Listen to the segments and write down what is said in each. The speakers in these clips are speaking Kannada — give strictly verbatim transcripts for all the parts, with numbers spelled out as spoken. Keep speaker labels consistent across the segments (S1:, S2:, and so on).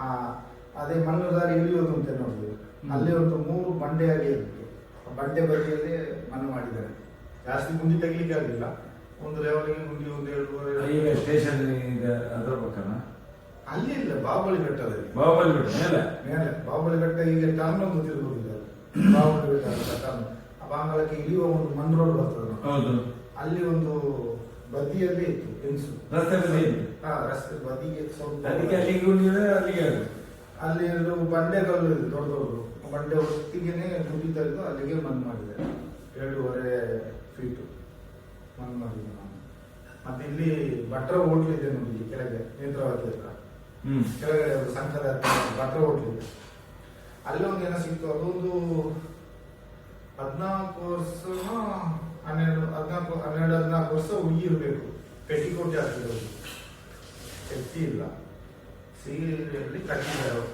S1: ಆ ಅದೇ ಮಣ್ಣುದಾರಿ ಇಳಿಯೋದು ಅಂತ ನೋಡಿದ್ವಿ. ಅಲ್ಲಿ ಒಂದು ಮೂರು ಬಂಡೆಯಾಗಿ ಇತ್ತು. ಆ ಬಂಡೆ ಬದಿಯಲ್ಲಿ ಮಣ್ಣು ಮಾಡಿದ್ದಾರೆ. ಜಾಸ್ತಿ ಗುಂಡಿ ತೆಗಿಲಿಕ್ಕೆ ಆಗಲಿಲ್ಲ. ಒಂದು ಲೆವೆಲ್ಗೆ ಗುಂಡಿ ಒಂದು ಏಳುವರೆ
S2: ಸ್ಟೇಷನ್ ಅದರ ಪಕ್ಕನ
S1: ಅಲ್ಲಿ ಇಲ್ಲ, ಬಾಹುಬಲಿ ಬೆಟ್ಟದಲ್ಲಿ.
S2: ಬಾಹುಬಲಿ ಬೆಟ್ಟ ಮೇಲೆ
S1: ಮೇಲೆ ಬಾಹುಬಲಿ ಬೆಟ್ಟ ಈಗ ಟರ್ನ್ ಒಂದು ತಿರುಗುದಿದ್ದಾರೆ. ಬಾಹುಬಲಿ ಬೆಟ್ಟ ಟರ್ನ್ ಆ ಬಾಂಗ್ಲಕ್ಕೆ ಇಳಿಯುವ ಒಂದು ಮಣ್ಣು ರೋಡ್ ಬರ್ತದೆ.
S2: ಹೌದು,
S1: ಅಲ್ಲಿ ಒಂದು ಬದಿಯಲ್ಲಿ ಇತ್ತು ಹೆಂಗಸು.
S2: ರಸ್ತೆ ಬದಿ
S1: ಹಾ, ರಸ್ತೆ ಬದಿಗೆ ಸ್ವಲ್ಪ
S2: ಅದಕ್ಕೆ ಅಲ್ಲಿಗೆ ಗುಂಡಿ ಇದೆ, ಅಲ್ಲಿಗೆ
S1: ಅಲ್ಲಿ ಎರಡು ಬಂಡೆಗಳು ಇದೆ, ದೊಡ್ಡ ದೊಡ್ಡ ಬಂಡೆ ಒಟ್ಟಿಗೆನೆ ಗುಂಡಿ ತೆಗೆದು ಅಲ್ಲಿಗೆ ಮಣ್ಣು ಮಾಡಿದೆ. ಏಳುವರೆ ಫೀಟು ಮಣ್ಣು ಮಾಡಿದೆ ನಾನು. ಮತ್ತೆ ಇಲ್ಲಿ ಭಟ್ರ ಹೋಟ್ಲ್ ಇದೆ ನೋಡಿ, ಇಲ್ಲಿ ಕೆಳಗೆ ನೇತ್ರಾವತಿ ಹತ್ರ ಕೆಳಗಡೆ ಒಂದು ಸಂಘದ ಭಟ್ರ ಹೋಟ್ಲ್ ಇದೆ. ಅಲ್ಲಿ ಒಂದು ಏನೋ ಸಿಕ್ತು. ಅದೊಂದು ಹದಿನಾಲ್ಕು ವರ್ಷ ಹನ್ನೆರಡು ಹದಿನಾಲ್ಕು ಹನ್ನೆರಡು ಹದಿನಾಲ್ಕು ವರ್ಷ ಹುಡುಗಿ ಇರಬೇಕು. ಪೆಟ್ಟಿಕೋಟಿ ಹಾಕಿರೋದು, ಶಕ್ತಿ ಇಲ್ಲ. ಸೀರೆಯಲ್ಲಿ ಕಟ್ಟಿದ್ದಾರೆ.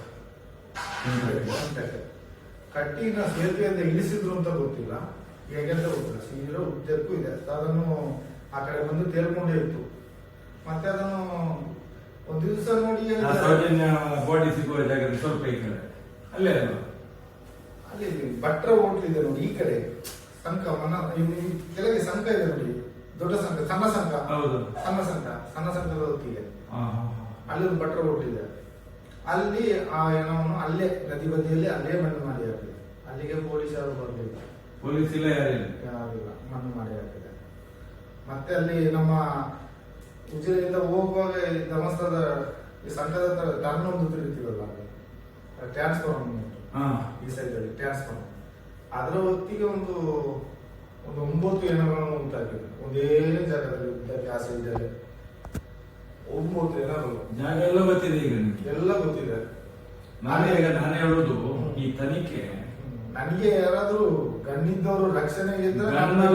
S1: ಕಟ್ಟಿನ ಸೇತುವೆಯಿಂದ ಇಳಿಸಿದ್ರು ಅಂತ ಗೊತ್ತಿಲ್ಲ, ಹೇಗೆಂತ ಗೊತ್ತಿಲ್ಲ. ಸೀರೆ ಉದ್ದಕ್ಕೂ ಇದೆ. ಅದನ್ನು ಆ ಕಡೆ ಬಂದು ತೇಲ್ಕೊಂಡೇ ಇತ್ತು. ಮತ್ತೆ ಅದನ್ನು ಒಂದು ದಿವಸ ನೋಡಿ
S2: ಬಾಡಿ ಸಿಗುವ ಜಾಗ ಸ್ವಲ್ಪ ಈ ಕಡೆ ಅಲ್ಲೇ
S1: ಅಲ್ಲಿ ಭಟ್ರ ಹೋಟ್ಲ್ ಇದೆ ನೋಡಿ, ಈ ಕಡೆ ಸಂಕ ಮನ ಕೆಳಗೆ ಸಂಕ ಇದೆ ನೋಡಿ, ದೊಡ್ಡ ಸಂಕ, ಸಣ್ಣ ಸಂಕ, ಸಣ್ಣ ಸಂಕ, ಸಣ್ಣ ಸಂಕದ ಹೊತ್ತಿಗೆ ಅಲ್ಲಿ ಒಂದು ಭಟ್ರ ಹೋಟ್ಲ್ ಇದೆ. ಅಲ್ಲಿ ಆ ಏನೋನು ಅಲ್ಲೇ ನದಿ ಬದಿಯಲ್ಲಿ ಅಲ್ಲೇ ಮಣ್ಣು ಮಾಡಿ ಹಾಕಿದೆ. ಅಲ್ಲಿಗೆ ಪೊಲೀಸರು ಬರಲಿಲ್ಲ,
S2: ಪೊಲೀಸ್ ಇಲ್ಲ,
S1: ಯಾರಿಲ್ಲ, ಮಣ್ಣು ಮಾಡಿ ಹಾಕಿದೆ. ಮತ್ತೆ ಅಲ್ಲಿ ನಮ್ಮ ಉಜಿರೆಯಿಂದ ಹೋಗುವಾಗ ಧರ್ಮಸ್ಥಳದ ಈ ಸಂಘದ ಟರ್ನ್ ಒಂದು ತಿರುಗ್ತೀವಲ್ಲ, ಟ್ರಾನ್ಸ್ಫಾರ್ಮ್ ಈ ಸೈಡ್ ಅಲ್ಲಿ ಟ್ರಾನ್ಸ್ಫಾರ್ಮ್, ಅದರ ಹೊತ್ತಿಗೆ ಒಂದು ಒಂದು ಒಂಬತ್ತು ಎಣಗಳನ್ನು ಉಂಟಾಗಿದೆ ಒಂದೇ ಜಾಗದಲ್ಲಿ. ಉದ್ದಕ್ಕೆ ಆ ಸೈಡ್ ಅಲ್ಲಿ ಒಂಬತ್ತು ಎಣಗಳು.
S2: ಜಾಗ ಎಲ್ಲ ಗೊತ್ತಿದೆ ಈಗ,
S1: ಎಲ್ಲ ಗೊತ್ತಿದೆ.
S2: ನಾನೇ ಈಗ ನಾನೇ ಹೇಳುದು, ಈ ತನಿಖೆ
S1: ನನಗೆ ಯಾರಾದ್ರೂ ಗಣ್ಣಿದ್ದವರು ರಕ್ಷಣೆಗೆ ಇದ್ರೆ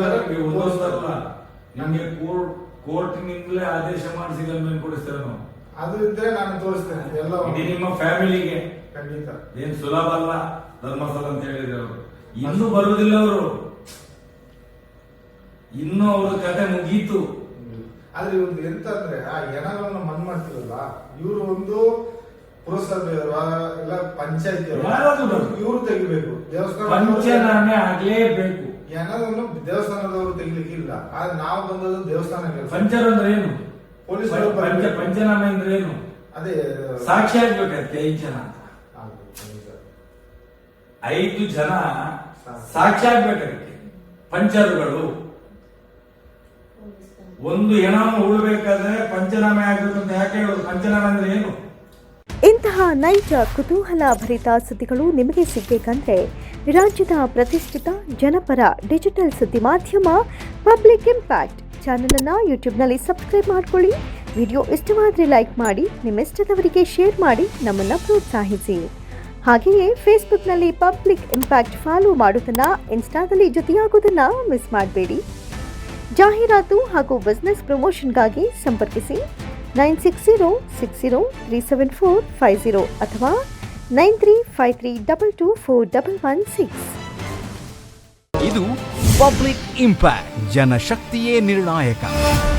S2: ನಮಗೆ ಕೋರ್ಟಿನಿಂದಲೇ ಆದೇಶ ಮಾಡಿಸಿ ಗಲ್ಮೇಲೆ ಕೊಡಿಸ್ತೇವೆ ನಾವು.
S1: ಅದು ಇದ್ರೆ ನಾನು ತೋರಿಸ್ತೇನೆ ಎಲ್ಲ.
S2: ನಿಮ್ಮ ಫ್ಯಾಮಿಲಿಗೆ
S1: ಖಂಡಿತ
S2: ಏನ್ ಸುಲಭ ಅಲ್ಲ ಧರ್ಮಸ್ಥಳ ಅಂತ ಹೇಳಿದ್ರೆ ಅವರು ಇನ್ನೂ ಬರುವುದಿಲ್ಲ. ಅವರು ಇನ್ನೂ ಅವ್ರ ಕತೆ ಮುಗೀತು.
S1: ಆದ್ರೆ ಇವ್ರದ್ದು ಎಂತ ಅಂದ್ರೆ ಆ ಎಣಗಳನ್ನು ಮಣ್ಣು ಮಾಡ್ತಿರಲ್ಲ, ಇವರು ಒಂದು ಪುರಸಭೆ ಎಲ್ಲ ಪಂಚಾಯತಿ ಇವರು ತೆಗಿಬೇಕು. ದೇವಸ್ಥಾನ
S2: ಪಂಚನಾಮೆ ಆಗ್ಲೇಬೇಕು.
S1: ಎಣವನ್ನು ದೇವಸ್ಥಾನದವರು ತೆಗಿಲಿಕ್ಕೆ ಇಲ್ಲ. ಆದ್ರೆ ನಾವು ಬಂದದ್ದು ದೇವಸ್ಥಾನಕ್ಕೆ.
S2: ಪಂಚರ್ ಅಂದ್ರೆ ಏನು?
S1: ಪೊಲೀಸ್
S2: ಪಂಚನಾಮೆ ಅಂದ್ರೆ ಏನು?
S1: ಅದೇ
S2: ಸಾಕ್ಷಿ ಆಗ್ಬೇಕಂತೆ. ಐದು ಜನ ಐದು ಜನ ಸಾಕ್ಷಿ ಆಗ್ಬೇಕಂತೆ ಪಂಚರುಗಳು. ಒಂದು ಹೆಣ ಉಳ್ಬೇಕಾದ್ರೆ ಪಂಚನಾಮೆ ಆಗ್ಬೇಕು ಅಂತ ಯಾಕೆ ಹೇಳೋದು? ಪಂಚನಾಮೆ ಅಂದ್ರೆ ಏನು?
S3: ಇಂತಹ ನೈಜ ಕುತೂಹಲ ಭರಿತ ಸುದ್ದಿಗಳು ನಿಮಗೆ ಸಿಗಬೇಕಂದ್ರೆ ರಾಜ್ಯದ ಪ್ರತಿಷ್ಠಿತ ಜನಪರ ಡಿಜಿಟಲ್ ಸುದ್ದಿ ಮಾಧ್ಯಮ ಪಬ್ಲಿಕ್ ಇಂಪ್ಯಾಕ್ಟ್ ಚಾನಲನ್ನು ಯೂಟ್ಯೂಬ್ನಲ್ಲಿ ಸಬ್ಸ್ಕ್ರೈಬ್ ಮಾಡಿಕೊಳ್ಳಿ. ವಿಡಿಯೋ ಇಷ್ಟವಾದರೆ ಲೈಕ್ ಮಾಡಿ, ನಿಮ್ಮಿಷ್ಟದವರಿಗೆ ಶೇರ್ ಮಾಡಿ ನಮ್ಮನ್ನು ಪ್ರೋತ್ಸಾಹಿಸಿ. ಹಾಗೆಯೇ ಫೇಸ್ಬುಕ್ನಲ್ಲಿ ಪಬ್ಲಿಕ್ ಇಂಪ್ಯಾಕ್ಟ್ ಫಾಲೋ ಮಾಡೋದನ್ನು, ಇನ್ಸ್ಟಾದಲ್ಲಿ ಜೊತೆಯಾಗೋದನ್ನು ಮಿಸ್ ಮಾಡಬೇಡಿ. ಜಾಹೀರಾತು ಹಾಗೂ ಬಿಸ್ನೆಸ್ ಪ್ರಮೋಷನ್ಗಾಗಿ ಸಂಪರ್ಕಿಸಿ nine six zero six zero three seven four five zero ಅಥವಾ nine three five three double two four double one six.
S4: ಇದು ಪಬ್ಲಿಕ್ ಇಂಪ್ಯಾಕ್ಟ್, ಜನಶಕ್ತಿಯೇ ನಿರ್ಣಾಯಕ.